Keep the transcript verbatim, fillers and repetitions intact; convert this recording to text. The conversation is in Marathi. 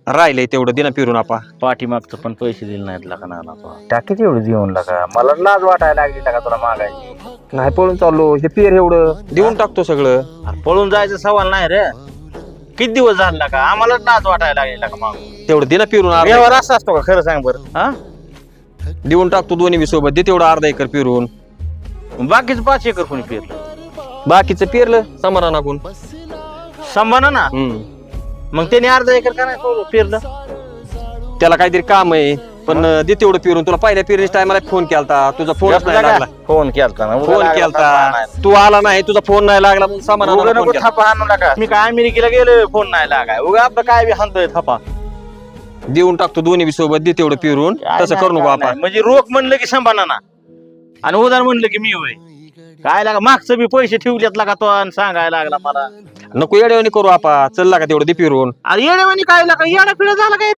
राहिलंय तेवढं दिना फिरून आपा. पाठीमागचं पण पैसे दिले नाहीत लका नाना तो. टाकीच एवढं देऊन लागा मला लाज वाटायला लागली का तुला मागायची. नाही पळून चाललो हे पेर एवढं देऊन टाकतो सगळं. अरे पळून जायचं सवाल नाही रे. किती दिवस झाला का आम्हाला नाच वाटायला लागले का माग. तेवढं दिना फिरून अर्धा व्यवहार असा असतो का खरं सांग बरं. हा एकर. देऊन टाकतो दोन्ही बी सोबत दे तेवढं अर्धा एकर फिरून. बाकीच पाच एकर कोणी पेरलं बाकीचं पेरलं समाधानाकून. संभाना ना. हम्म मग त्याने अर्धा एकर का नाही पेरलं. त्याला काहीतरी काम आहे पण दे तेवढं फिरून. तुला पहिल्या पेरणीच्या टायमाला फोन केलता तुझा फोन नाही लागला. फोन केलता ना फोन केलता तू आला नाही तुझा फोन नाही लागला म्हणून समाधानाला फोन केलता. थापा आणू नका. मी काय अमेरिकेला गेलो फोन नाही लागाय उगा आपलं काय बी हाणतोय थापा. देऊन टाकतो दोन्ही बी सोबत दे तेवढं फिरून. तसं करू नको आपण. म्हणजे रोख म्हणलं की संभाना ना आणि उधार म्हणलं की मी होय काय लागा मागचं बी पैसे ठेवलेत लागा तो आणि सांगायला लागला मला. नको येड्यावानी करू आपा. चल लागा तेवढं दे फिरून. अरे येड्यावानी काय लागा येडा पिढा झाला काय